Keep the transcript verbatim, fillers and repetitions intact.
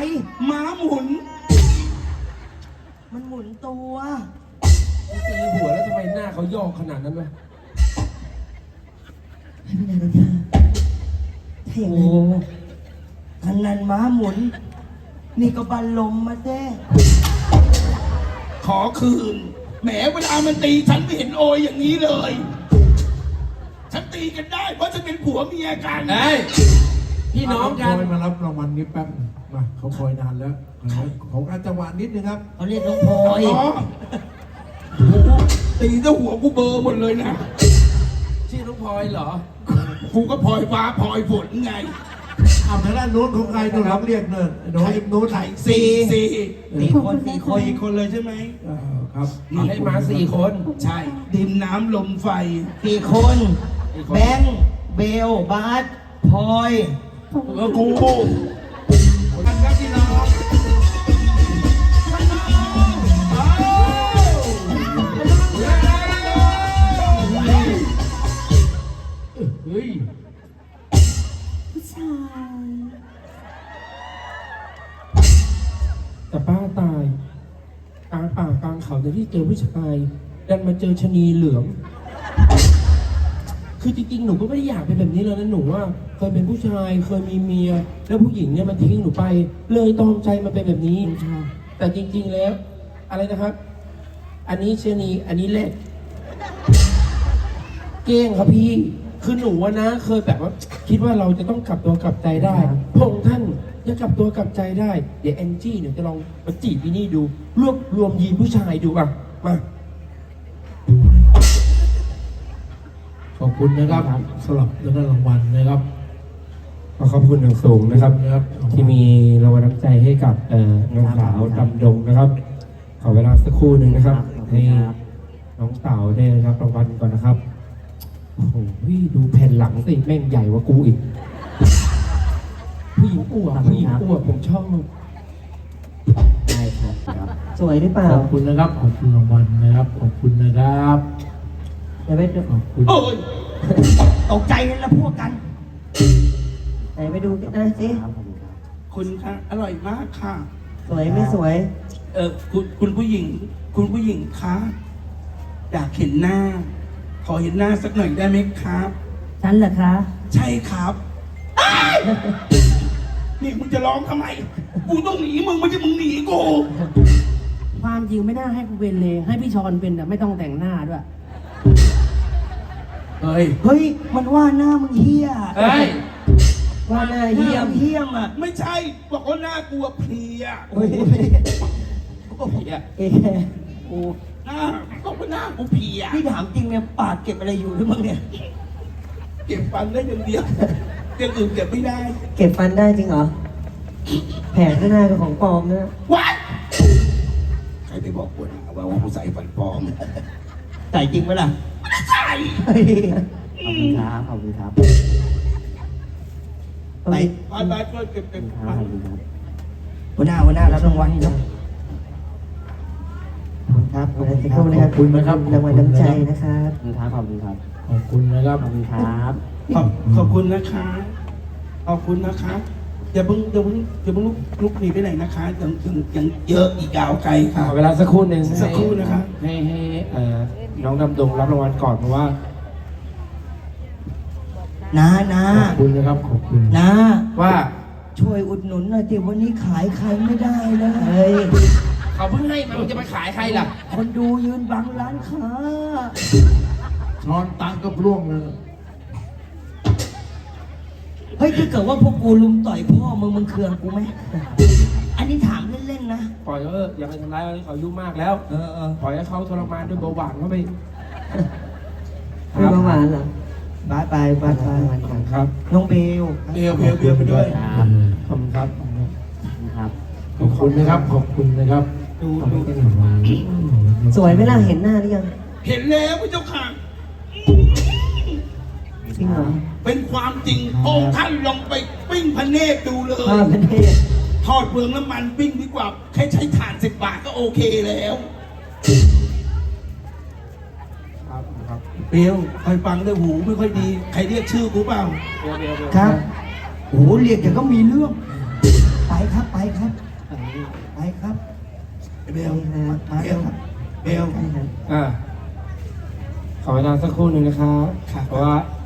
ม้าหมุนมันหมุนตัวตีหัวแล้วทำไมหน้าเขาย่อขนาดนั้นวะให้พี่นายรจาถ้าอย่างนั้นทันนันม้าหมุนนี่ก็บันลมมาแท้ขอคืนแหมเวลามันตีฉันไม่เห็นโอยอย่างนี้เลยฉันตีกันได้เพราะฉันเป็นผัวเมียกันเฮ้ยพี่น้องกันคอยมารับรางวัลนี้แป๊บมาเขาคอยนานแล้วของอาจังหวะนิดนึงครับเขาเรียกน้องพลอยตีซะหัวกูเบอร์หมดเลยนะชื่อน้องพลอยเหรอกูก็พลอยฟ้าพลอยฝนไงเอาทางด้านโน้นของใครโน้นรับเรียกเนินโน้นโน้นไหนสี่สี่สี่คนสี่คนสี่คนเลยใช่ไหมครับให้มาสี่คนใช่ดินน้ำลมไฟสี่คนแบงค์เบลบาสพลอยแล้วกูกันครับพี่น้องเฮ้ยผู้ชายแต่ป้าตายกลางป่ากลางเขาแต่ที่เจอผู้ชายดันมาเจอชะนีเหลืองคือจริงๆหนูก็ไม่ได้อยากเป็นแบบนี้เลยนะหนูว่าเคยเป็นผู้ชายเคยมีเมียแล้วผู้หญิงเนี่ยมันทิ้งหนูไปเลยตอมใจมาเป็นแบบนี้แต่จริงๆแล้วอะไรนะครับอันนี้ชะนีอันนี้แหละเก้งครับพี่คือหนูนะเคยแบบว่าคิดว่าเราจะต้องกลับตัวกลับใจได้พระองค์ท่านจะกลับตัวกลับใจได้เดี๋ยวแอนจี้เนี่ยจะลองมาจีบพี่นี่ดูรวบรวมยีนผู้ชายดูอ่ะมาขอบคุณนะครับสำหรับเรื่องรางวัลนะครับขอขอบคุณอย่างสูงนะครับที่มีรางวัลน้ำใจให้กับน้องสาวดำดงนะครับขอเวลาสักครู่หนึ่งนะครับให้น้องสาวได้รับรางวัลก่อนนะครับโอ้โหดูแผ่นหลังสิแม่งใหญ่กว่ากูอีกผู้หญิงอ้วนผู้หญิงอ้วนผมชอบได้ครับสวยหรือเปล่าขอบคุณนะครับขอบคุณรางวัลนะครับขอบคุณนะครับเดี๋ยวไปดูขอบคุณตกใจแล้วพวกกันไหนไปดูกันนะสิคุณค่ะอร่อยมากค่ะสวยไม่สวยเออคุณคุณผู้หญิงคุณผู้หญิงคะอยากเห็นหน้าขอเห็นหน้าสักหน่อยได้ไหมครับฉันเหรอคะใช่ครับนี่มึงจะร้องทำไมกูต้องหนีมึงไม่ใช่มึงหนีกูความจริงไม่น่าให้กูเป็นเลยให้พี่ชอนเป็นแต่ไม่ต้องแต่งหน้าด้วยเฮ้ยเฮ้ยมันว่าหน้ามึงเหี้ยเฮ้ยว่าหน้าเหี้ยมเหี้ยมอ่ะไม่ใช่บอกว่าหน้ากูเพลียโอ้ยกูเพลียเอ๊ะกูหน้าบอกว่าหน้ากูเพลียพี่ถามจริงเนี่ยปากเก็บอะไรอยู่หรือมั้งเนี่ยเก็บฟันได้อย่างเดียวอย่างอื่นเก็บไม่ได้เก็บฟันได้จริงเหรอแผลข้างหน้าเป็นของปลอมนะวัดใครไปบอกกูนะว่าว่ากูใส่ฟันปลอมใส่จริงไหมล่ะไม่ใส่ขอบคุณครับขอบคุณครับไปไปไปช่วยเก็บเก็บขอบคุณครับหัวหน้าหัวหน้ารับรางวัลครับครับขอบคุณครับขอบคุณนะครับรางวัลน้ำใจนะครับขอบคุณครับขอบคุณครับขอบคุณนะครับขอบคุณครับขอบขอบคุณนะคะขอบคุณนะคะอย่าเพิ่งอย่าเพิ่งอย่าเพิ่งลุกลุกหนีไปไหนนะคะยังยังยังเยอะอีกยาวไกลค่ะเวลาสักครู่หนึ่งสักครู่นะคะให้ให้น้องดำดงรับรางวัลก่อนเพราะว่านานาขอบคุณนะครับขอบคุณนาว่าช่วยอุดหนุนหน่อยดิวันนี้ขายใครไม่ได้เลยเขาเพิ่งให้มันจะไปขายใครล่ะคนดูยืนบังร้านค้าช้อนตังก็ร่วงเลยเฮ้ยถ้าเกิดว่าพวกกูลุมต่อยพ่อมึงมึงเคืองกูไหมอันนี้ถามเล่นๆนะปล่อยเอออย่าไปทำร้ายเขาอายุมากแล้วเออเออปล่อยให้เขาทรมานด้วยเบาหวานเขาไปเบาหวานเหรอไปไปไปไปครับน้องเบลเบลเบลเบลไปด้วยขอบคุณครับครับขอบคุณนะครับขอบคุณนะครับดูดูสวยไหมล่ะเห็นหน้าหรือยังเห็นแล้วพระเจ้าค่ะจริงเหรอเป็นความจริงโอ้ท่านลองไปปิ้งพระเนตรดูเลยพระเนตรทอดเปลืองน้ำมันปิ้งดีกว่าแค่ใช้ถ่านสิบบาทก็โอเคแล้วครับครับเบลคอยฟังด้วยหูไม่ค่อยดีใครเรียกชื่อกูเปล่าครับโอ้เรียกแต่ก็มีเรื่องไปครับไปครับไปครับเบลมามาเบเร็ลวครับเบลอ่าขอเวลาสักครู่หนึ่งนะครับครับเพราะว่า